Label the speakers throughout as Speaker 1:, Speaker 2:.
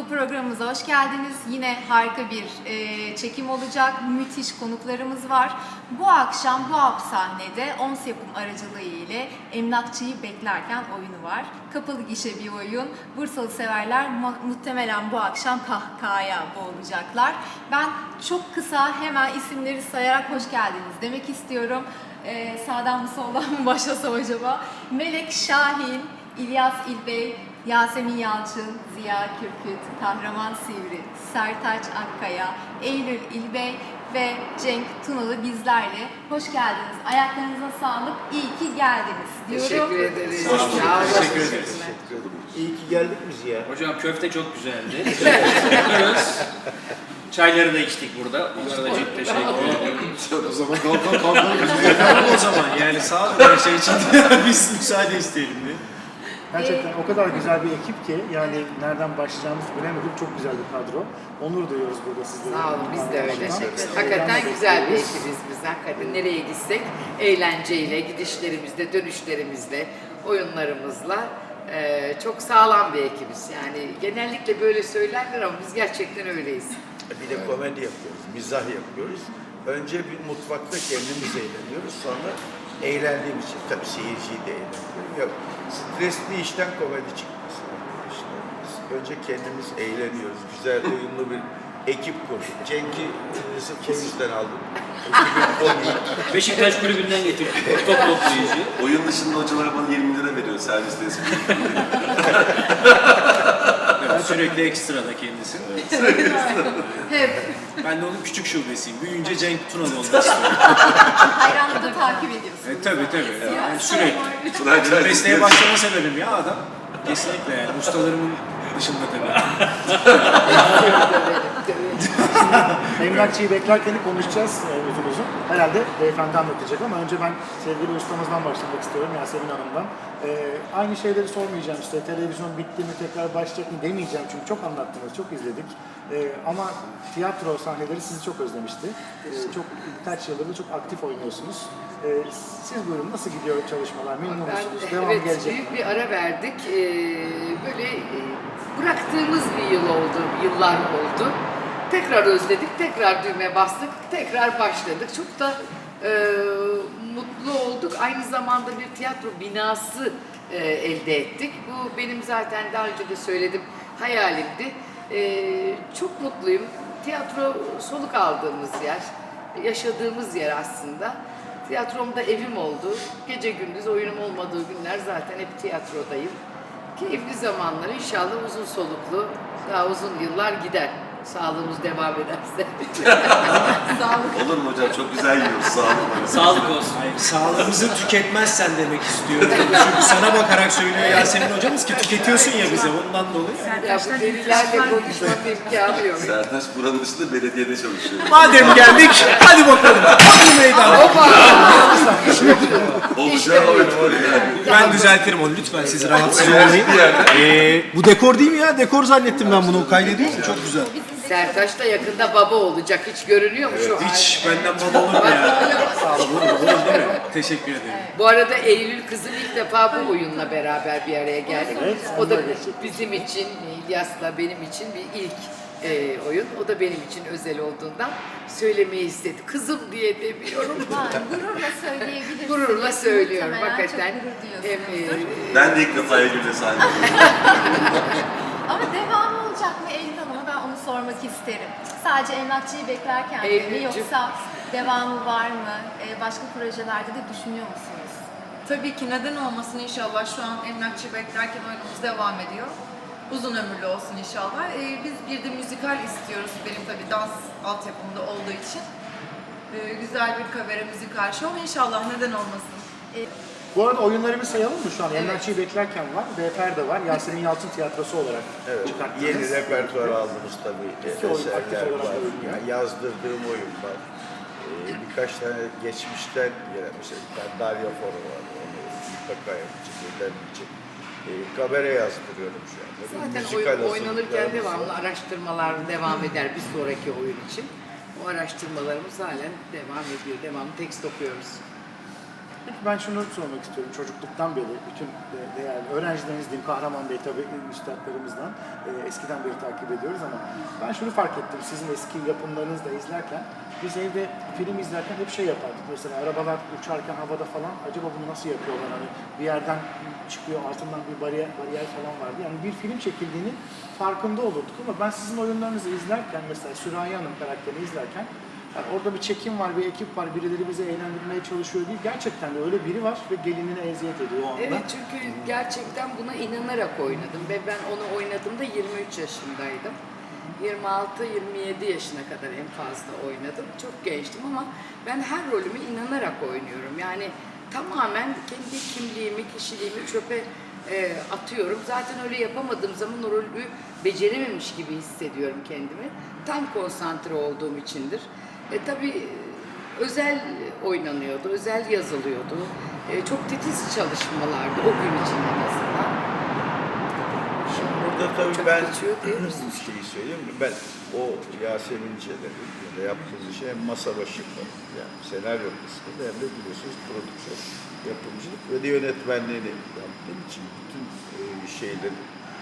Speaker 1: Futbol programımıza hoş geldiniz. Yine harika bir çekim olacak. Müthiş konuklarımız var. Bu akşam bu sahnede OMS Yapım aracılığı ile Emlakçıyı Beklerken oyunu var. Kapalı gişe bir oyun. Bursalı severler muhtemelen bu akşam kahkahaya boğulacaklar. Ben çok kısa hemen isimleri sayarak hoş geldiniz demek istiyorum. Sağdan mı soldan mı başlasam acaba? Melek Şahin, İlyas İlbey, Yasemin Yalçın, Ziya Kürküt, Kahraman Sivri, Sertaç Akkaya, Eylül İlbey ve Cenk Tunalı bizlerle. Hoş geldiniz. Ayaklarınıza sağlık. İyi ki geldiniz diyorum.
Speaker 2: Teşekkür ederiz.
Speaker 3: Teşekkür ederiz.
Speaker 4: İyi ki geldik mi Ziya?
Speaker 3: Hocam köfte çok güzeldi. Teşekkür Çayları da içtik burada. Bunlara da çok teşekkür ederim.
Speaker 4: O zaman kalkalım.
Speaker 5: Tamam o zaman yani sağ olun her şey için biz müsaade isteyelim diye.
Speaker 6: Gerçekten o kadar güzel bir ekip ki yani nereden başlayacağımızı bilemedik. Çok güzel bir kadro. Onur duyuyoruz burada sizlere.
Speaker 2: Sağ olun, biz de öyle. Hakikaten güzel bir ekibiz biz. Hakikaten nereye gitsek eğlenceyle, gidişlerimizle, dönüşlerimizle, oyunlarımızla çok sağlam bir ekibiz. Yani genellikle böyle söylerler ama biz gerçekten öyleyiz.
Speaker 4: Bir de komedi yapıyoruz, mizah yapıyoruz. Önce bir mutfakta kendimiz eğleniyoruz, sonra eğlendiğim için, tabii seyirciyi de eğlendiriyorum. Yok, stresli işten komedi çıkmaz. İşte biz önce kendimiz eğleniyoruz, güzel uyumlu bir ekip kurduk. Cenk'i sırf bu yüzden aldım. Ekibin komiği.
Speaker 3: Beşiktaş kulübünden getirdik. Top toplayıcı.
Speaker 7: Oyun dışında hocalar bana 20 lira veriyor serviste espri.
Speaker 5: Evet, sürekli ekstrada kendisi.
Speaker 1: Hep
Speaker 5: Ben de onun küçük şubesiyim. Büyüyünce Cenk Tunalı olmak istiyorum.
Speaker 1: hayranlıkla takip ediyorsunuz.
Speaker 5: Tabii. Yani sürekli.
Speaker 7: Sırayla
Speaker 5: Mesleğe başlama sebebim ya adam. Kesinlikle yani ustalarımın dışında tabii.
Speaker 6: Emlakçıyı beklerken konuşacağız uzun uzun. Herhalde beyefendi anlatacak ama önce ben sevgili ustamızdan başlamak istiyorum, Yasemin Hanım'dan. Aynı şeyleri sormayacağım işte, televizyon bitti mi, tekrar başlayacak mı demeyeceğim çünkü çok anlattınız, çok izledik. Ama tiyatro sahneleri sizi çok özlemişti. Çok birkaç yıldır da çok aktif oynuyorsunuz. Siz buyurun, nasıl gidiyor çalışmalar, memnun musunuz, devam
Speaker 2: Evet,
Speaker 6: gelecek mi?
Speaker 2: büyük bir ara verdik. Böyle bıraktığımız bir yıl oldu, yıllar oldu. Tekrar özledik, tekrar düğme bastık, tekrar başladık. Çok da mutlu olduk. Aynı zamanda bir tiyatro binası elde ettik. Bu benim zaten daha önce de söyledim, hayalimdi. Çok mutluyum. Tiyatro soluk aldığımız yer, yaşadığımız yer aslında. Tiyatromda evim oldu. Gece gündüz oyunum olmadığı günler zaten hep tiyatrodayım. Keyifli zamanlar, inşallah uzun soluklu, daha uzun yıllar gider. Sağlığımız devam ederse. Sağlık.
Speaker 7: Olur mu hocam? Çok güzel yiyoruz. Sağ olun.
Speaker 3: Sağlık olsun.
Speaker 5: Hayır, sağlığımızı tüketmezsen demek istiyorum. Çünkü sana bakarak söylüyor Yasemin hocamız ki tüketiyorsun ya bize ondan dolayı.
Speaker 2: Ya bu delilerle konuşmanın imkanı yok.
Speaker 7: Sertaç buranın dışında belediyede çalışıyor.
Speaker 5: Madem geldik hadi bakalım. Hadi meydan.
Speaker 2: Hoppa!
Speaker 7: Olacak oyun yani.
Speaker 5: Ben düzeltirim onu lütfen siz rahatsız olmayın. Bu dekor değil mi ya? Dekor zannettim ben bunu. Kaydediyor mu? Çok güzel.
Speaker 2: Sertaç da yakında baba olacak. Hiç görünüyor mu şu
Speaker 5: Hiç benden baba olur mu ya? Olur değil mi? Teşekkür ederim.
Speaker 2: Bu arada Eylül kızım ilk defa bu oyunla beraber bir araya geldik. O da bizim için, İlyas'la benim için bir ilk oyun. O da benim için özel olduğundan söylemeyi istedi. Kızım diye demiyorum.
Speaker 1: Gururla söyleyebilirsiniz.
Speaker 2: Gururla söylüyorum.
Speaker 1: Muhtemelen
Speaker 2: Hakikaten.
Speaker 1: çok gurur duyuyorsunuzdur.
Speaker 7: Ben de ilk defa Eylül'de sahne
Speaker 1: Ama devamı olacak mı Eylül Hanım'a, ben onu sormak isterim. Sadece Emlakçıyı Beklerken mi,
Speaker 2: Eylülcüm.
Speaker 1: yoksa devamı var mı? Başka projelerde de düşünüyor musunuz?
Speaker 8: Tabii ki, neden olmasın inşallah. Şu an Emlakçı Beklerken oyunumuz devam ediyor. Uzun ömürlü olsun inşallah. Biz bir de müzikal istiyoruz, benim tabii dans altyapımda olduğu için. Güzel bir kavere müzikal show inşallah, neden olmasın.
Speaker 6: Bu arada oyunları bir sayalım mı şu an? Emlakçıyı beklerken var, BFR de var, Yasemin Yalçın tiyatrosu olarak
Speaker 4: Evet,
Speaker 6: çıkarttınız.
Speaker 4: yeni repertuar aldınız tabii.
Speaker 6: İki oyun, aktif
Speaker 4: Eserler
Speaker 6: olarak
Speaker 4: var.
Speaker 6: oyun.
Speaker 4: Yani yazdırdığım oyun var. Birkaç tane geçmişten gelen, mesela bir tane Darya Foro var. Onu mutlaka yapacak, ödenmeyecek. Kabare yazdırıyorum şu anda. Bir
Speaker 2: Zaten
Speaker 4: müzikal
Speaker 2: oynanırken
Speaker 4: hazırlıklarımız
Speaker 2: devamlı
Speaker 4: var.
Speaker 2: araştırmalar devam eder bir sonraki oyun için. O araştırmalarımız halen devam ediyor. Devamlı tekst okuyoruz.
Speaker 6: Ben şunu sormak istiyorum. Çocukluktan beri bütün değerli öğrencileriniz diyeyim, Kahraman Bey tabii üstadlarımızdan eskiden beri takip ediyoruz ama ben şunu fark ettim. Sizin eski yapımlarınızı da izlerken biz evde film izlerken hep şey yapardık. Mesela arabalar uçarken havada falan acaba bunu nasıl yapıyorlar? Hani bir yerden çıkıyor, altından bir bariyer falan vardı. Yani bir film çekildiğinin farkında olurduk ama ben sizin oyunlarınızı izlerken mesela Sürahi Hanım karakterini izlerken yani orada bir çekim var, bir ekip var, birileri bizi eğlendirmeye çalışıyor değil. Gerçekten de öyle biri var ve gelinine eziyet ediyor o anda.
Speaker 2: Evet, çünkü gerçekten buna inanarak oynadım ve ben onu oynadığımda 23 yaşındaydım. 26-27 yaşına kadar en fazla oynadım. Çok gençtim ama ben her rolümü inanarak oynuyorum. Yani tamamen kendi kimliğimi, kişiliğimi çöpe atıyorum. Zaten öyle yapamadığım zaman o rolü becerememiş gibi hissediyorum kendimi. Tam konsantre olduğum içindir. Tabii özel oynanıyordu, özel yazılıyordu. Çok titiz çalışmalardı o gün için en azından.
Speaker 4: Şimdi burada tabii
Speaker 2: Çok
Speaker 4: ben
Speaker 2: geçiyor değil mi?
Speaker 4: şeyi söyleyeyim mi? Ben o Yasemin Çelebi ya da yaptığımız şey hem masa başı yani senaryo kısmında hem de biliyorsunuz prodüksiyon, yapımcılık ve de yönetmenliğini yaptığım için bütün şeyleri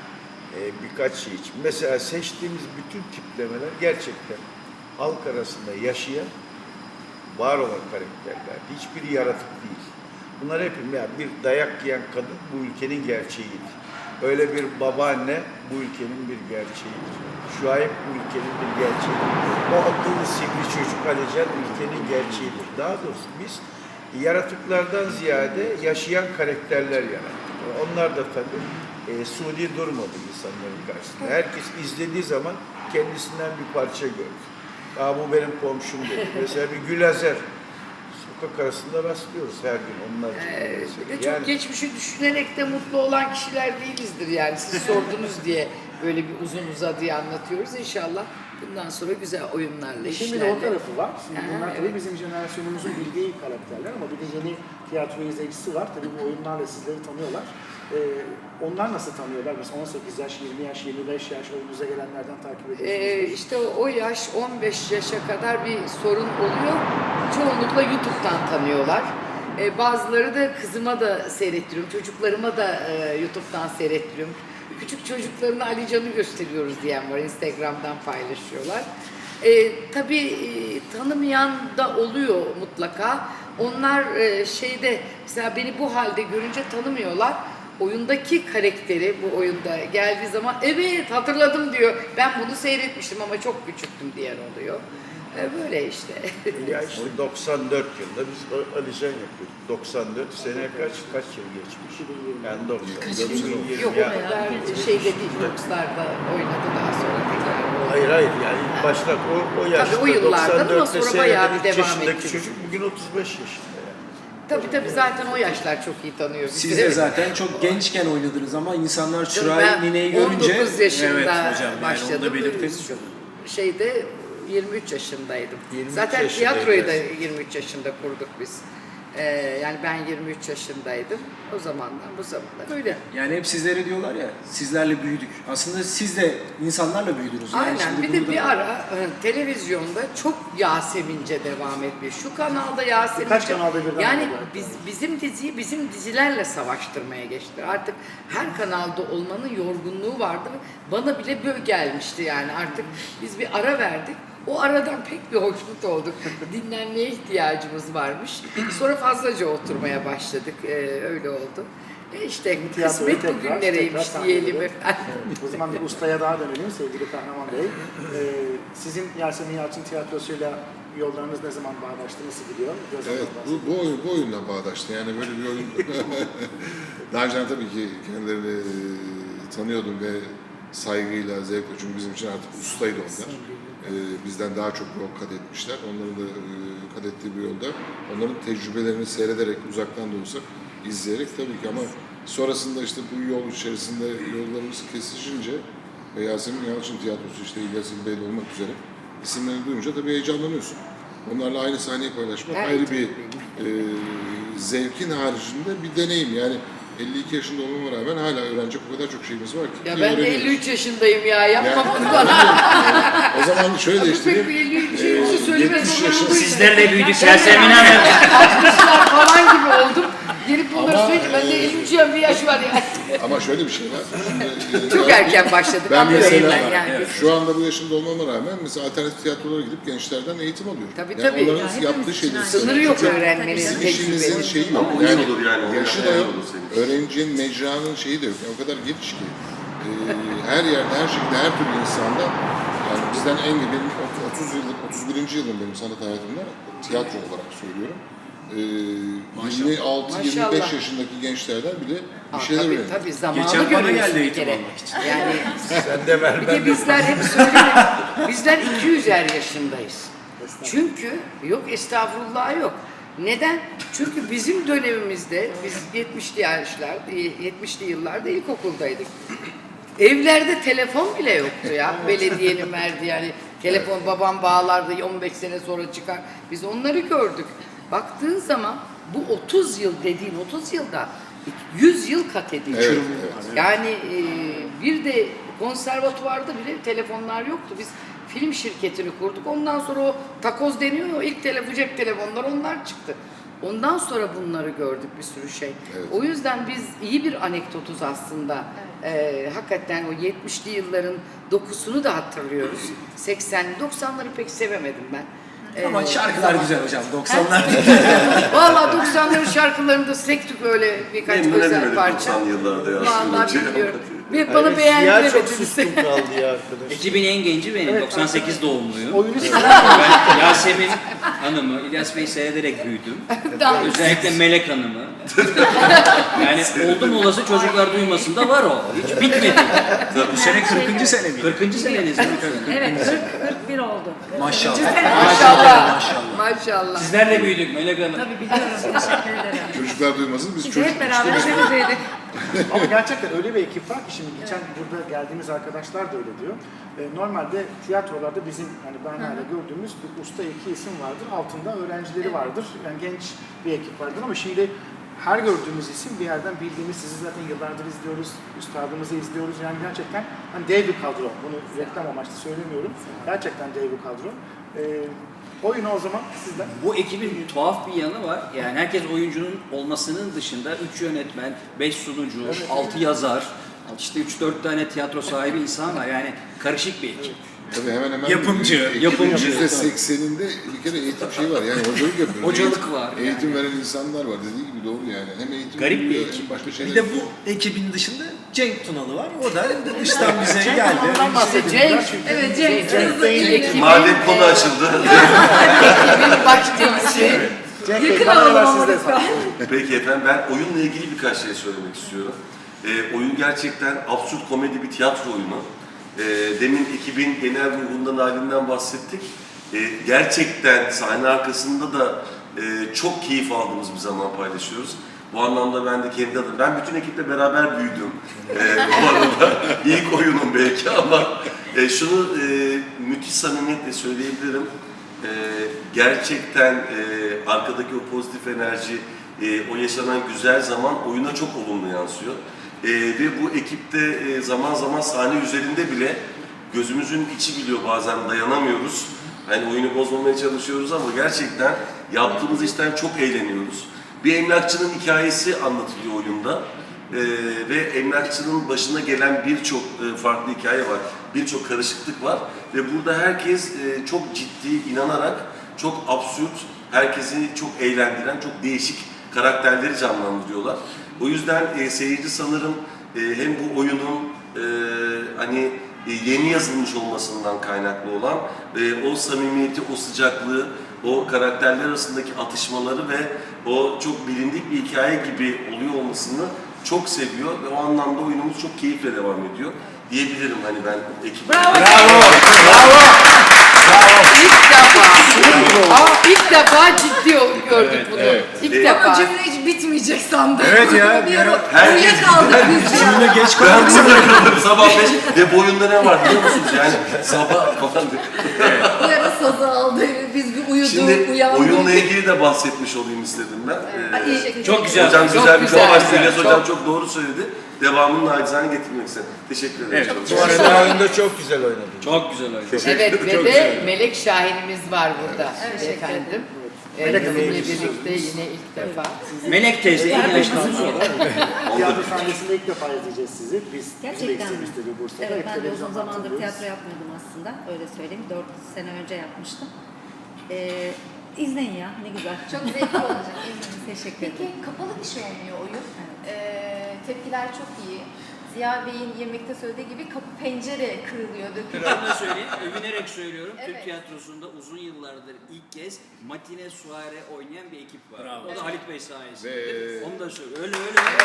Speaker 4: birkaç şey için. Mesela seçtiğimiz bütün tiplemeler gerçekten halk arasında yaşayan, var olan karakterlerdi. Hiçbiri yaratık değil. Bunlar hepim yani bir dayak yiyen kadın bu ülkenin gerçeğiydi. Öyle bir babaanne bu ülkenin bir gerçeğidir. Şuayb bu ülkenin bir gerçeğidir. O akıllı sivri çocuk Alican ülkenin gerçeğidir. Daha doğrusu biz yaratıklardan ziyade yaşayan karakterler yarattık. Onlar da tabii suni durmadı insanların karşısında. Herkes izlediği zaman kendisinden bir parça gördü. Aa, bu benim komşum dedi. Mesela bir Gülazer. Sokak arasında rastlıyoruz her gün onlar.
Speaker 2: Bir de çok geçmişi düşünerek de mutlu olan kişiler değilizdir yani. Siz sordunuz diye böyle bir uzun uzadıya anlatıyoruz. İnşallah bundan sonra güzel oyunlarla,
Speaker 6: Şimdi
Speaker 2: işlerle.
Speaker 6: de o tarafı var. Şimdi bunlar tabii
Speaker 2: evet.
Speaker 6: bizim jenerasyonumuzun bildiği karakterler ama bir de yeni tiyatro izleyicisi var. Tabii bu oyunlarla sizleri tanıyorlar. Onlar nasıl tanıyorlar? Mesela 18 yaş, 20 yaş, 25 yaş oyununuza gelenlerden takip ediyorsunuz.
Speaker 2: İşte o yaş 15 yaşa kadar bir sorun oluyor. Çoğunlukla YouTube'dan tanıyorlar. Bazıları da kızıma da seyrettiriyorum, çocuklarıma da YouTube'dan seyrettiriyorum. Küçük çocuklarına Ali Can'ı gösteriyoruz diyen var, Instagram'dan paylaşıyorlar. Tabii tanımayan da oluyor mutlaka. Onlar şeyde, mesela beni bu halde görünce tanımıyorlar. Oyundaki karakteri bu oyunda geldiği zaman evet hatırladım diyor. Ben bunu seyretmiştim ama çok küçüktüm diyen oluyor. Böyle işte.
Speaker 4: Ya işte 94 yılında biz Alican yapıyorduk. 94 sene kaç yıl geçmiş? Yani 90.
Speaker 2: Yok o kadar şeyde değil, Fox'larda oynadı daha sonra tekrar.
Speaker 4: Hayır yani ilk başta o yaşta
Speaker 2: Tabii o yıllardan ama
Speaker 4: 94'te
Speaker 2: sonra bayağı bir
Speaker 4: seyreden 3
Speaker 2: devam
Speaker 4: yaşındaki
Speaker 2: etti.
Speaker 4: çocuk bugün 35 yaşında yani.
Speaker 2: Tabii zaten o yaşlar çok iyi tanıyor bizi.
Speaker 5: Siz de zaten çok gençken oynadınız ama insanlar
Speaker 2: Ben
Speaker 5: Şuray Nine'yi görünce
Speaker 2: 19 yaşında
Speaker 3: Evet hocam, yani
Speaker 2: başladım.
Speaker 3: onu da belirtelim.
Speaker 2: Şeyde 23 yaşındaydım.
Speaker 4: 23
Speaker 2: Zaten
Speaker 4: yaşındaydı.
Speaker 2: tiyatroyu da 23 yaşında kurduk biz. Yani ben 23 yaşındaydım. O zamandan bu zamana böyle.
Speaker 5: yani hep sizlere diyorlar ya sizlerle büyüdük. Aslında siz de insanlarla büyüdünüz. Yani
Speaker 2: Aynen.
Speaker 5: şimdi
Speaker 2: Bir
Speaker 5: bunu
Speaker 2: de
Speaker 5: da-
Speaker 2: bir ara televizyonda çok Yasemince devam etmiş. Şu kanalda Yasemince.
Speaker 6: Birkaç kanalda birden
Speaker 2: Yani
Speaker 6: oldu.
Speaker 2: bizim diziyi bizim dizilerle savaştırmaya geçtiler. Artık her kanalda olmanın yorgunluğu vardı. Bana bile böyle gelmişti yani. Artık biz bir ara verdik. O aradan pek bir hoşnut olduk. Dinlenmeye ihtiyacımız varmış. Sonra fazlaca oturmaya başladık. Öyle oldu. İşte
Speaker 6: Tiyatroyu
Speaker 2: kısmet bugünlereymiş
Speaker 6: tekrar
Speaker 2: diyelim
Speaker 6: sahnede.
Speaker 2: efendim.
Speaker 6: O zaman bir ustaya daha dönelim sevgili Kahraman Bey. Sizin Yasemin Yalçın tiyatrosuyla yollarınız ne zaman bağdaştı, nasıl gidiyor? Biraz
Speaker 9: Evet,
Speaker 6: ondan bahsedin.
Speaker 9: bu oyunla bağdaştı. Yani böyle bir oyun... Daha önce tabii ki kendilerini tanıyordum ve saygıyla, zevkle. Çünkü bizim için artık ustaydı onlar. Bizden daha çok yol kat etmişler. Onların da kat ettiği bir yolda. Onların tecrübelerini seyrederek, uzaktan da olsa izleyerek tabii ki ama sonrasında işte bu yol içerisinde yollarımız kesişince ve Yasemin Yalçın Tiyatrosu işte İlyas İlbeyli olmak üzere isimlerini duyunca tabii heyecanlanıyorsun. Onlarla aynı sahneyi paylaşmak
Speaker 2: Evet,
Speaker 9: ayrı bir zevkin haricinde bir deneyim. Yani 52 yaşında olmama rağmen hala öğrenecek o kadar çok şeyimiz var ki.
Speaker 2: Ya
Speaker 9: ki
Speaker 2: ben de
Speaker 9: öğreniyoruz.
Speaker 2: 53 yaşındayım ya. Yapma
Speaker 9: Yani-
Speaker 2: bunu bana.
Speaker 9: O zaman şöyle değiştireyim.
Speaker 2: Pek bir şeyimizi söylemez
Speaker 9: 70
Speaker 2: olan
Speaker 9: yaşında
Speaker 2: bu.
Speaker 3: Sizlerle büyüdük Yasemin Hanım.
Speaker 2: 60'lar falan gibi oldum. Gelip bunları
Speaker 9: Ama,
Speaker 2: söyleyince bende 53 bir yaş var yani.
Speaker 9: Ama şöyle bir şey var. Şimdi,
Speaker 2: Çok erken başladık.
Speaker 9: Ben
Speaker 2: anlıyorum
Speaker 9: mesela
Speaker 2: ben yani.
Speaker 9: şu anda bu yaşımda olmama rağmen mesela alternatif tiyatrolara gidip gençlerden eğitim alıyorum.
Speaker 2: Tabii,
Speaker 9: yani
Speaker 2: tabii.
Speaker 9: onların yaptığı şeyleri.
Speaker 2: Sınırı yok öğrenmenin,
Speaker 9: Bizim işimizin
Speaker 2: tecrübenin.
Speaker 9: şeyi yok.
Speaker 7: Oyun
Speaker 9: Yani
Speaker 7: olur yani,
Speaker 9: yaşı da
Speaker 7: oyun
Speaker 9: yok.
Speaker 7: olur senin için.
Speaker 9: Öğrencinin, mecranın şeyi de yok. Yani o kadar geniş ki. Her yerde, her şekilde, her türlü insanda yani bizden en iyi benim 30 yıllık, 31. yılım benim sanat hayatımda tiyatro olarak söylüyorum. 26-25
Speaker 2: Maşallah.
Speaker 9: yaşındaki gençlerden bile bir
Speaker 2: Aa,
Speaker 9: şeyler
Speaker 2: tabii,
Speaker 9: öğreniyor.
Speaker 2: tabii zamanı
Speaker 5: Geçen bana
Speaker 2: görüyorsun
Speaker 5: geldi
Speaker 2: bir
Speaker 5: eğitim
Speaker 2: kere.
Speaker 5: almak için.
Speaker 2: Yani
Speaker 4: Sen de ver
Speaker 2: bir
Speaker 4: ben
Speaker 2: de
Speaker 4: de.
Speaker 2: bizler hep söyledik. Bizler 200'er yaşındayız. Çünkü yok estağfurullah yok. Neden? Çünkü bizim dönemimizde biz 70'li yıllarda ilkokuldaydık. Evlerde telefon bile yoktu ya. Belediyenin verdiği yani telefon babam bağlardı 15 sene sonra çıkar. Biz onları gördük. Baktığın zaman bu 30 yıl dediğin 30 yılda 100 yıl kat ediyor.
Speaker 9: Evet, evet.
Speaker 2: Yani bir de konservatuvarda bile telefonlar yoktu. Biz film şirketini kurduk. Ondan sonra o takoz deniyor ya, ilk cep telefonlar onlar çıktı. Ondan sonra bunları gördük bir sürü şey.
Speaker 9: Evet.
Speaker 2: O yüzden biz iyi bir anekdotuz aslında. Hakikaten o 70'li yılların dokusunu da hatırlıyoruz. 90'ları pek sevemedim ben.
Speaker 5: Ama şarkılar güzel hocam. 90'lar.
Speaker 2: Vallahi 90'ların şarkılarını da sektik öyle birkaç
Speaker 7: Memnun
Speaker 2: özel
Speaker 7: edemedik
Speaker 2: parça.
Speaker 7: 90'lı yıllarda ya.
Speaker 2: Vallahi
Speaker 7: Şey
Speaker 2: bilmiyorum.
Speaker 7: yapmadı.
Speaker 2: Ve bana
Speaker 6: Siyah çok
Speaker 2: beğendiremediniz.
Speaker 6: sustum kaldı ya arkadaş.
Speaker 3: Ekibin en genci benim. 98 doğumluyum.
Speaker 6: Oyunu
Speaker 3: Ben Yasemin Hanım'ı, İlyas Bey'i seyrederek büyüdüm. Özellikle Melek Hanım'ı. Yani oldum olası çocuklar duymasın da var o. Hiç bitmedi.
Speaker 5: Bu sene 40. sene mi?
Speaker 3: 40. seneniz mi?
Speaker 10: Evet, 41 oldu.
Speaker 5: Maşallah.
Speaker 2: Maşallah.
Speaker 5: Maşallah.
Speaker 2: Maşallah.
Speaker 3: Sizlerle büyüdük Melek Hanım.
Speaker 10: Tabii biliyorum, teşekkür ederim.
Speaker 9: Çocuklar duymasın biz
Speaker 10: Biz
Speaker 9: çocuk
Speaker 10: hep beraber sevdiydik.
Speaker 6: Ama gerçekten öyle bir ekip var ki şimdi geçen burada geldiğimiz arkadaşlar da öyle diyor. Normalde tiyatrolarda bizim hani ben hala gördüğümüz bir usta iki isim vardır. Altında öğrencileri vardır. Yani genç bir ekip vardır ama şimdi her gördüğümüz isim bir yerden bildiğimiz, sizi zaten yıllardır izliyoruz, üstadımızı izliyoruz. Yani gerçekten hani dev bir kadro. Bunu reklam amaçlı söylemiyorum. Gerçekten dev bir kadro. Oyunu o zaman sizden.
Speaker 3: Bu ekibin tuhaf bir yanı var. Yani herkes oyuncunun olmasının dışında 3 yönetmen, 5 sunucu, 6 yazar, işte 3-4 tane tiyatro sahibi insan var. Yani karışık bir ekip.
Speaker 9: Tabii hemen hemen
Speaker 5: Yapımcı.
Speaker 9: %80'inde bir kere eğitim şeyi var. Yani hocalık yapıyor.
Speaker 3: Hocalık var.
Speaker 9: Eğitim veren insanlar var. Dediği gibi doğru yani. Hem eğitim
Speaker 3: Garip bir
Speaker 9: veriyor,
Speaker 3: ekip.
Speaker 9: hem başka şeyler
Speaker 5: Bir de
Speaker 9: yapıyor.
Speaker 5: bu ekibin dışında Cenk Tunalı var. O da dıştan bize geldi.
Speaker 2: Ondan bahsedeceğim.
Speaker 8: Evet, Cenk
Speaker 2: Ekibin
Speaker 7: Madem konu açıldı.
Speaker 2: baş delisi.
Speaker 6: Cenk Bey, kameralar sizde.
Speaker 7: Peki efendim, ben oyunla ilgili birkaç şey söylemek istiyorum. Oyun gerçekten absürt komedi bir tiyatro oyunu. Demin ekibin genel ruhundan, halinden bahsettik. Gerçekten sahne arkasında da çok keyif aldığımız bir zaman paylaşıyoruz. Bu anlamda ben de kendi adım, ben bütün ekiple beraber büyüdüm. Bu arada ilk oyunum belki ama şunu müthiş samimiyetle söyleyebilirim. Gerçekten arkadaki o pozitif enerji, o yaşanan güzel zaman oyuna çok olumlu yansıyor. Ve bu ekipte zaman zaman sahne üzerinde bile gözümüzün içi biliyor, bazen dayanamıyoruz. Hani oyunu bozmamaya çalışıyoruz ama gerçekten yaptığımız işten çok eğleniyoruz. Bir emlakçının hikayesi anlatılıyor oyunda. Ve emlakçının başına gelen birçok farklı hikaye var, birçok karışıklık var. Ve burada herkes çok ciddi, inanarak, çok absürt, herkesi çok eğlendiren, çok değişik karakterleri canlandırıyorlar. O yüzden seyirci sanırım hem bu oyunun hani yeni yazılmış olmasından kaynaklı olan o samimiyeti, o sıcaklığı, o karakterler arasındaki atışmaları ve o çok bilindik bir hikaye gibi oluyor olmasını çok seviyor ve o anlamda oyunumuz çok keyifle devam ediyor diyebilirim hani ben ekibe.
Speaker 2: İlk defa ciddi gördük bunu. İlk
Speaker 8: Ama
Speaker 2: defa.
Speaker 8: cümle hiç bitmeyecek sandım.
Speaker 5: Evet ya,
Speaker 8: Bir ara
Speaker 7: herkes-
Speaker 8: uyuyakaldık biz ya.
Speaker 5: Cümle geç
Speaker 7: Ben
Speaker 5: kaldık.
Speaker 7: burada kalırım sabah 5 ve bu oyunda ne var biliyor musunuz? Yani sabah falan.
Speaker 8: Bir ara sazı aldı. Biz bir uyuduk,
Speaker 7: Şimdi
Speaker 8: uyandık.
Speaker 7: oyunla ilgili de bahsetmiş olayım istedim ben.
Speaker 8: İyi şekilde.
Speaker 3: Çok güzel.
Speaker 7: Hocam
Speaker 2: Çok
Speaker 7: güzel bir
Speaker 2: güzel,
Speaker 7: konu açtı.
Speaker 2: güzel,
Speaker 7: İlyas
Speaker 2: çok.
Speaker 7: hocam çok doğru söyledi. devamını nacizane getirmek istedim. Teşekkür ederim.
Speaker 3: Evet.
Speaker 7: Çok
Speaker 4: Bu arada oyunda çok güzel oynadın.
Speaker 3: Çok güzel oyun.
Speaker 2: Evet ve
Speaker 3: Çok
Speaker 2: de
Speaker 3: güzel.
Speaker 2: Melek Şahin'imiz var burada efendim. Bizimle birlikte yine ilk defa.
Speaker 3: Melek teyze iyi yaşlanmış oldu.
Speaker 6: Tiyatro sahnesinde ilk defa izleyeceğiz sizi. Biz
Speaker 10: Gerçekten mi?
Speaker 6: istedik Bursa'da.
Speaker 10: Evet,
Speaker 6: Hep
Speaker 10: ben de uzun
Speaker 6: televizyondan
Speaker 10: zamandır
Speaker 6: tanıyoruz.
Speaker 10: tiyatro yapmıyordum aslında. Öyle söyleyeyim. 4 sene önce yapmıştım. İzleyin ya, ne güzel.
Speaker 1: Çok zevkli olacak. eminim.
Speaker 10: Teşekkür
Speaker 1: Peki
Speaker 10: ederim.
Speaker 1: kapalı bir şey oynuyor oyun. Tepkiler çok iyi. Ziya Bey'in yemekte söylediği gibi kapı pencere kırılıyor, dökülüyor.
Speaker 3: Ben de söyleyeyim, övünerek söylüyorum.
Speaker 1: Evet.
Speaker 3: Türk tiyatrosunda uzun yıllardır ilk kez matine suare oynayan bir ekip var.
Speaker 5: Bravo.
Speaker 3: O da Halit Bey sayesinde.
Speaker 9: Ve-
Speaker 3: Onu da söylüyorum. Öyle.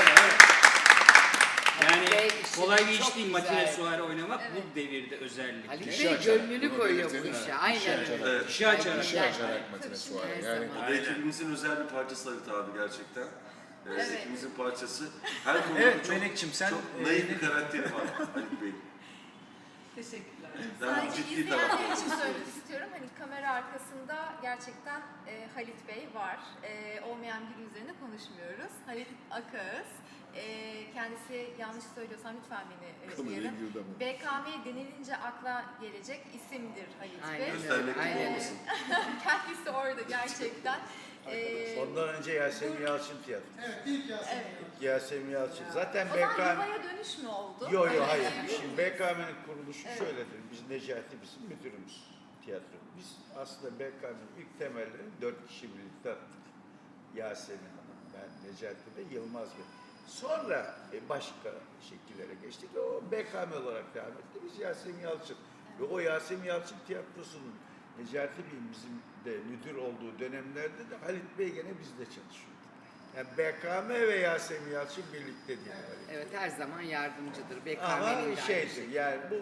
Speaker 3: Yani
Speaker 2: Bey işini
Speaker 3: kolay bir
Speaker 2: çok
Speaker 3: iş değil
Speaker 2: güzel.
Speaker 3: matine suare oynamak bu devirde özellikle.
Speaker 2: Halit
Speaker 9: İşi
Speaker 2: Bey
Speaker 9: açar.
Speaker 2: gönlünü
Speaker 9: Bunu
Speaker 2: koyuyor bu
Speaker 9: belirtelim.
Speaker 2: işe. Aynen öyle.
Speaker 7: Evet.
Speaker 3: İşi açarak.
Speaker 9: İşi açarak matine suare. Yani
Speaker 7: O da ekibimizin özel bir parçası Halit abi gerçekten.
Speaker 1: Evet.
Speaker 7: Ekibimizin parçası. Her konuda
Speaker 5: Evet,
Speaker 7: çok,
Speaker 5: Melek'ciğim sen,
Speaker 7: çok naif bir karakteri var Halit Bey.
Speaker 1: Teşekkürler.
Speaker 7: Yani
Speaker 1: Sadece
Speaker 7: ciddi
Speaker 1: izleyenler
Speaker 7: tarafı.
Speaker 1: için söylemek istiyorum. Hani kamera arkasında gerçekten Halit Bey var. Olmayan biri üzerine konuşmuyoruz. Halit Akağız. Kendisi yanlış söylüyorsam lütfen beni
Speaker 9: Kameraya
Speaker 1: uyarın.
Speaker 9: girdi ama.
Speaker 1: BKM denilince akla gelecek isimdir Halit Bey.
Speaker 2: Aynen öyle.
Speaker 7: Göstermek gibi
Speaker 2: Aynen
Speaker 7: olmasın.
Speaker 1: Kendisi orada gerçekten.
Speaker 4: Ondan önce Yasemin Yalçın tiyatro.
Speaker 1: Evet.
Speaker 4: Yasemin Yalçın. Zaten
Speaker 1: O zaman
Speaker 4: BKM...
Speaker 1: yuvaya dönüş mü oldu?
Speaker 4: Yok hayır. Şimdi BKM'nin kuruluşu şöyledir. Biz Necati bizim müdürümüz tiyatro. Biz aslında BKM'nin ilk temellerini 4 kişi birlikte attık. Yasemin Hanım, ben, Necati Bey, Yılmaz Bey. Sonra başka şekillere geçtik. O BKM olarak devam etti. Biz Yasemin Yalçın. Ve o Yasemin Yalçın tiyatrosunun Necati Bey'in bizim de müdür olduğu dönemlerde de Halit Bey gene bizle çalışıyordu. Yani BKM ve Yasemin Yalçın birlikte değil. Halit Bey.
Speaker 2: Evet her zaman yardımcıdır.
Speaker 4: Ama
Speaker 2: BKM'nin de aynı
Speaker 4: şeydir
Speaker 2: şey.
Speaker 4: yani bu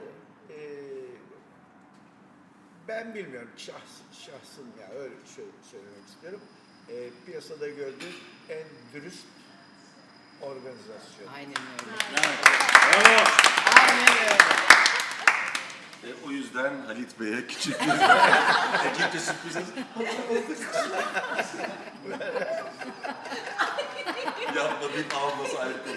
Speaker 4: ben bilmiyorum şahsım ya öyle söylemek istiyorum. Piyasada gördüğüm en dürüst organizasyon.
Speaker 2: Aynen öyle.
Speaker 3: Bravo.
Speaker 2: Aynen öyle.
Speaker 7: O yüzden Halit Bey'e küçük bir ekipte sürpriz yapmadığım alması ayrı konu.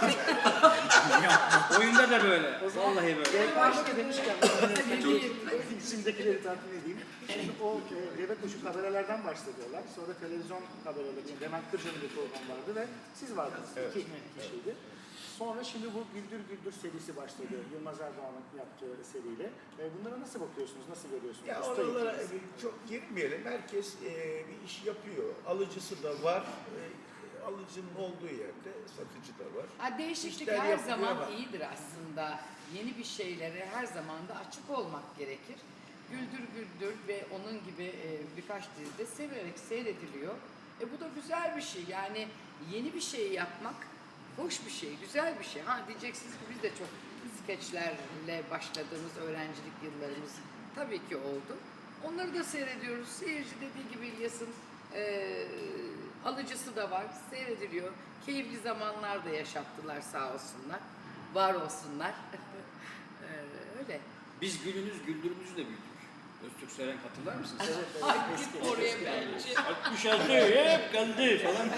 Speaker 3: Oyunda da böyle. Vallahi böyle.
Speaker 6: Başka demişken, isimdekileri takip edeyim. Şimdi o deve kuşu kamerelerden başladılar. Sonra televizyon kameraları, Levent Kırca'nın bir program vardı ve siz vardınız. İki kişiydi. Sonra şimdi bu Güldür Güldür serisi başladı. Yılmaz Erdoğan'ın yaptığı seriyle. Bunlara nasıl bakıyorsunuz, nasıl görüyorsunuz?
Speaker 4: Ya
Speaker 6: Usta
Speaker 4: oralara
Speaker 6: ekibiniz.
Speaker 4: çok girmeyelim. Herkes bir iş yapıyor. Alıcısı da var. Alıcının olduğu yerde satıcı da var.
Speaker 2: Ha, değişiklik
Speaker 4: İşler
Speaker 2: her
Speaker 4: yapılıyor
Speaker 2: zaman
Speaker 4: ama-
Speaker 2: iyidir aslında. Yeni bir şeylere her zaman da açık olmak gerekir. Güldür Güldür ve onun gibi birkaç dizide severek seyrediliyor. Bu da güzel bir şey. Yani yeni bir şey yapmak hoş bir şey, güzel bir şey. Ha diyeceksiniz ki biz de çok skeçlerle başladığımız öğrencilik yıllarımız tabii ki oldu. Onları da seyrediyoruz. Seyirci dediği gibi İlyas'ın alıcısı da var, seyrediliyor. Keyifli zamanlar da yaşattılar sağ olsunlar. Var olsunlar. Öyle.
Speaker 3: Biz gülünüz güldürümüzü de büyüdük. Öztürk Seren hatırlar mısınız?
Speaker 2: Ay git oraya bence.
Speaker 3: 66 hep kaldı falan.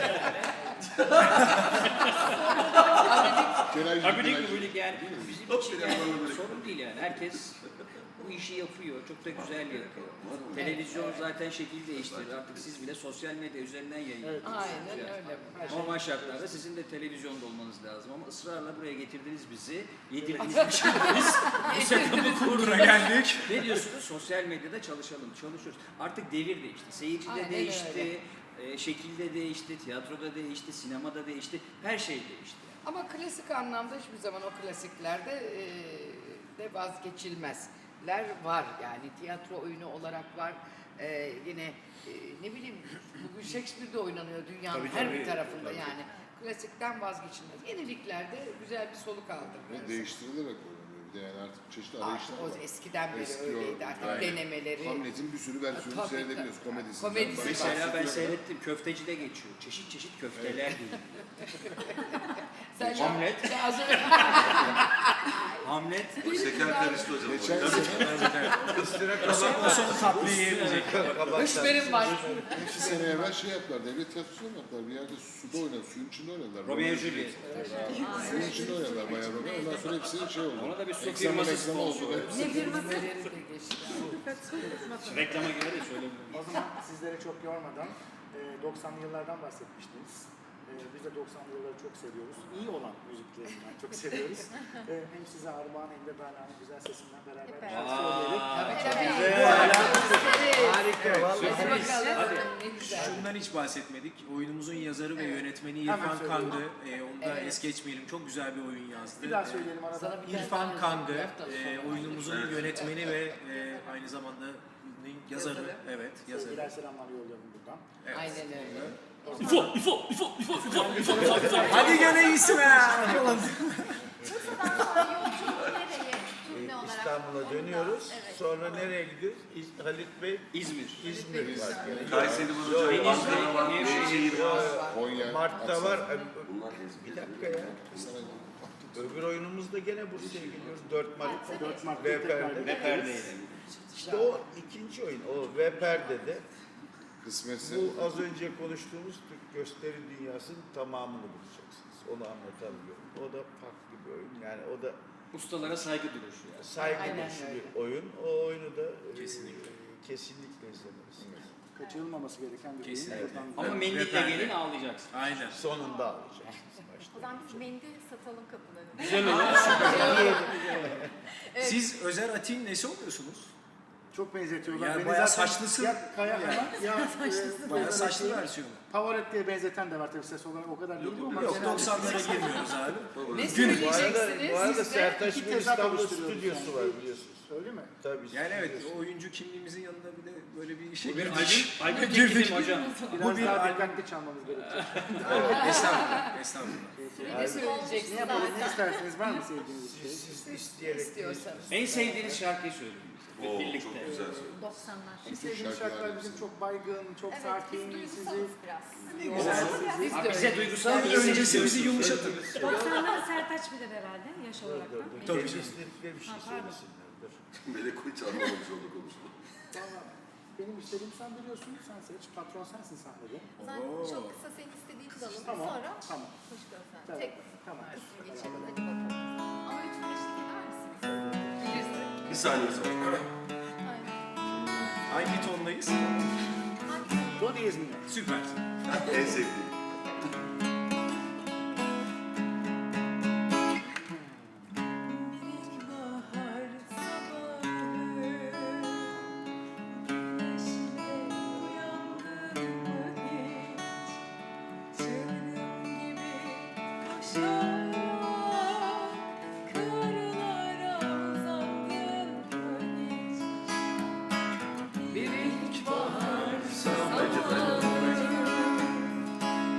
Speaker 3: Abidik gubidik yani bizim için yani sorun değil yani. Herkes bu işi yapıyor, çok da güzel yapıyor. Televizyon zaten şekil değiştirir. Artık siz bile sosyal medya üzerinden yayınlıyorsunuz.
Speaker 2: Aynen öyle.
Speaker 3: Normal şartlarda sizin de televizyonda olmanız lazım ama ısrarla buraya getirdiniz bizi. Yedirdiniz biz bu setup'ı
Speaker 5: Uğruna geldik.
Speaker 3: Ne diyorsunuz? Sosyal medyada çalışalım, çalışıyoruz. Artık devir değişti. Seyirci de
Speaker 2: Aynen
Speaker 3: değişti, şekilde değişti, tiyatroda değişti, sinemada değişti, her şey değişti.
Speaker 2: Ama klasik anlamda hiçbir zaman o klasiklerde de vazgeçilmezler var. Yani tiyatro oyunu olarak var. Yine ne bileyim bugün Shakespeare'de oynanıyor dünyanın her bir tarafında yani. Klasikten vazgeçilmez. Yeniliklerde güzel bir soluk aldı.
Speaker 9: Ve değiştirilerek oynanıyor. Bir de yani artık çeşitli
Speaker 2: Artık
Speaker 9: arayışlar var.
Speaker 2: o eskiden beri
Speaker 9: Eski
Speaker 2: öyleydi artık
Speaker 9: aynen.
Speaker 2: denemeleri.
Speaker 9: Hamlet'in bir sürü versiyonu
Speaker 2: Tabii,
Speaker 9: seyredebiliyoruz.
Speaker 2: tabii.
Speaker 9: Komedisinden
Speaker 2: Komedisi
Speaker 9: başlayıp-
Speaker 3: Mesela ben seyrettim, köftecide geçiyor. Çeşit çeşit köfteler diyor.
Speaker 2: Sen
Speaker 3: Hamlet.
Speaker 2: Ya az önce-
Speaker 5: Hamlet.
Speaker 7: O şeker karıştı hocam.
Speaker 9: Geçen sene,
Speaker 5: O son tatlıyı yemeyecek.
Speaker 2: Hışmerim var.
Speaker 9: 2 sene evvel şey yaptılar, devlet tiyatrosu yaptılar. Bir yerde suda oynadılar, suyun içinde oynadılar.
Speaker 3: Romeo Juliet.
Speaker 9: Suyun içinde oynadılar bayağı Romeo. Ondan sonra hepsi şey oldu.
Speaker 3: Ona da bir su
Speaker 9: Ekstrema
Speaker 3: firması
Speaker 9: meksema oldu.
Speaker 3: sponsor.
Speaker 9: Hepsi-
Speaker 8: Ne firması?
Speaker 2: Neleri de geçti.
Speaker 3: Reklama göre de söylemiyorum.
Speaker 6: O zaman sizlere çok yormadan 90'lı yıllardan bahsetmiştiniz. Biz de 90'lı yılları çok seviyoruz. İyi olan müziklerinden çok seviyoruz. Hem size armağan hem de Berla'nın güzel sesinden beraber bir şarkı söyleyelim.
Speaker 4: Harika vallahi.
Speaker 2: Hadi bakalım. Ne güzel.
Speaker 5: Şundan hiç bahsetmedik. Oyunumuzun yazarı ve yönetmeni
Speaker 6: Hemen
Speaker 5: İrfan
Speaker 6: söyleyelim.
Speaker 5: Kangı. Onu da
Speaker 2: Evet.
Speaker 5: es geçmeyelim. Çok güzel bir oyun yazdı.
Speaker 6: Bir daha söyleyelim arada.
Speaker 2: Sana bir tane
Speaker 5: İrfan
Speaker 2: daha
Speaker 5: Kangı,
Speaker 2: laftan sonra.
Speaker 5: oyunumuzun yönetmeni ve aynı zamanda yazarı.
Speaker 2: Yazarı.
Speaker 5: Evet, yazarı.
Speaker 6: Sevgiler selamlar yollayalım buradan.
Speaker 2: Aynen öyle.
Speaker 5: Hadi gene iyisin ha!
Speaker 1: Bursa'dan sonra yolculuk nereye? Turne olarak.
Speaker 4: İstanbul'a dönüyoruz.
Speaker 1: Evet.
Speaker 4: Sonra nereye gidiyoruz? Halit Bey
Speaker 3: İzmir.
Speaker 4: İzmir var.
Speaker 7: Kayseri var hocam, Ankara var, Nevşehir var.
Speaker 9: Konya,
Speaker 4: Mart'ta var.
Speaker 7: Bunlar
Speaker 4: Bir dakika ya. Öbür oyunumuzda gene Bursa'ya gidiyoruz. 4 Mart.
Speaker 6: 4 Mart'ta tekrar
Speaker 4: Ve
Speaker 3: Perdeyle.
Speaker 4: İşte o ikinci oyun. O ve perdede
Speaker 9: kısmetse
Speaker 4: bu az önce konuştuğumuz Türk gösteri dünyasının tamamını bulacaksınız. Onu anlatabiliyorum. O da farklı bir oyun. Yani o da
Speaker 3: Ustalara saygı duruşu yani.
Speaker 4: saygı
Speaker 2: Aynen
Speaker 4: duruşu
Speaker 2: öyle.
Speaker 4: bir oyun. O oyunu da
Speaker 5: Kesinlikle.
Speaker 4: kesinlikle izlemelisin.
Speaker 6: kaçırılmaması gereken bir
Speaker 5: Kesinlikle.
Speaker 6: oyun.
Speaker 3: Ama mendille
Speaker 5: Efendim.
Speaker 3: gelin ağlayacaksın.
Speaker 5: Aynen.
Speaker 4: Sonunda alacaksınız. Başta.
Speaker 1: O zaman biz mendil satalım kapılarına.
Speaker 3: Güzel olur.
Speaker 5: Siz Özer Atik'in nesi oluyorsunuz?
Speaker 6: Çok benzetiyorlar.
Speaker 5: Ya
Speaker 6: Beni
Speaker 5: bayağı
Speaker 6: zaten
Speaker 5: saçlısın.
Speaker 6: Ya Kaya Hanım ya
Speaker 5: Bayağı saçlı versiyonu.
Speaker 6: Pavarotti diye benzeten de var tabii ses olarak o kadar değil ama.
Speaker 5: Yok
Speaker 6: genelde-
Speaker 5: 90'lara girmiyoruz abi.
Speaker 2: Ne
Speaker 4: Bu arada
Speaker 2: söyleyeceksiniz?
Speaker 4: Sertaç
Speaker 6: iki
Speaker 4: Bey
Speaker 6: tezat
Speaker 4: İstanbul
Speaker 6: oluşturuyoruz
Speaker 4: stüdyosu
Speaker 6: yani.
Speaker 4: var biliyorsunuz.
Speaker 6: Öyle mi?
Speaker 4: Tabii.
Speaker 5: Yani evet,
Speaker 4: stüdyosu.
Speaker 5: o oyuncu kimliğimizin yanında bir de böyle bir şey
Speaker 3: Bu bir
Speaker 5: girdik.
Speaker 3: albüm teklifi hocam.
Speaker 6: Biraz
Speaker 5: bir
Speaker 6: daha
Speaker 5: albüm.
Speaker 6: dikkatli çalmamız gerekecek.
Speaker 5: Estağfurullah, estağfurullah.
Speaker 2: Ne söyleyeceksiniz?
Speaker 6: Ne yapalım, ne isterseniz var mı sevdiğiniz bir şey?
Speaker 4: Siz isteyerek
Speaker 2: İstiyorsanız.
Speaker 3: En sevdiğiniz şarkıyı söyleyin bize.
Speaker 7: Oo,
Speaker 3: Birlikte.
Speaker 7: çok güzel söyledin.
Speaker 10: 90'lar.
Speaker 6: En sevdiğimiz şarkılar bizim çok baygın, çok
Speaker 1: Evet,
Speaker 6: sakin,
Speaker 1: biz
Speaker 6: sizi
Speaker 1: duygusalız biraz.
Speaker 5: Güzel.
Speaker 2: Biz
Speaker 3: Ha,
Speaker 2: de
Speaker 3: bize
Speaker 2: öyle.
Speaker 3: duygusal bir
Speaker 5: Öncesi bizi yumuşatın.
Speaker 10: 90'lar Sertaç bilir herhalde yaş olarak da.
Speaker 5: Tabii
Speaker 4: kendi
Speaker 5: canım.
Speaker 4: istedikleri bir şey söylesinlerdir.
Speaker 7: Melek hiç anlamamış oldu konuşma.
Speaker 6: Valla benim istediğim sen biliyorsun, sen seç, patron sensin sahnede.
Speaker 1: O zaman çok kısa senin istediğini de alalım.
Speaker 6: Tamam,
Speaker 1: Sonra
Speaker 6: tamam.
Speaker 1: hoş görsen.
Speaker 6: Tamam,
Speaker 1: Tek
Speaker 6: tamam.
Speaker 1: kısmı geçelim. Hadi bakalım. Ama lütfen eşlik eder misiniz?
Speaker 2: Bilirsin.
Speaker 7: Bir saniye sonra.
Speaker 1: Aynen.
Speaker 5: Hangi tondayız?
Speaker 1: Hangi
Speaker 6: Do diyez mi?
Speaker 5: Süper.
Speaker 7: En sevdiğim.
Speaker 2: Bir ilkbahar
Speaker 7: Bence ben de.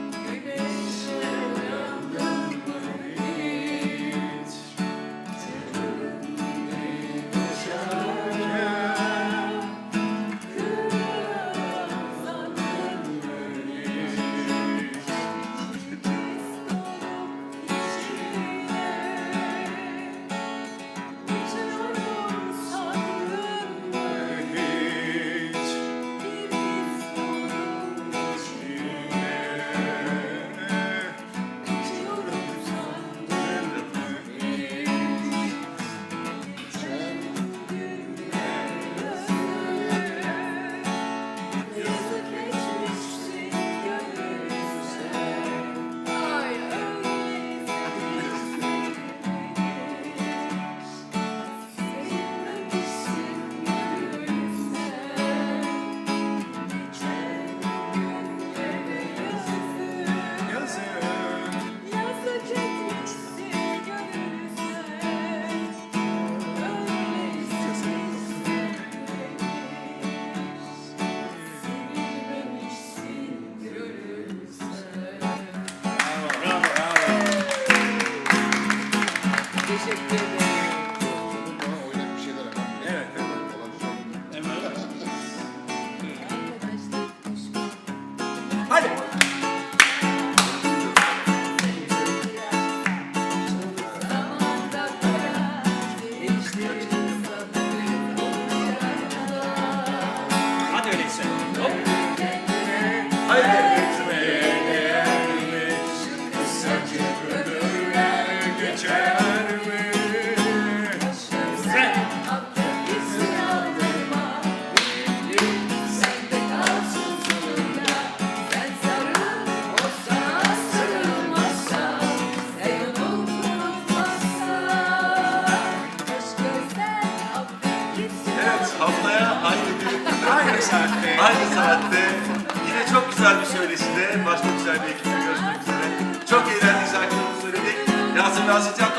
Speaker 7: Aynı saatte yine çok güzel bir söyleşide, başka güzel bir ekiple görüşmek üzere. Çok eğlenceli şarkılarımızı söyledik. Yasemin Aslıcan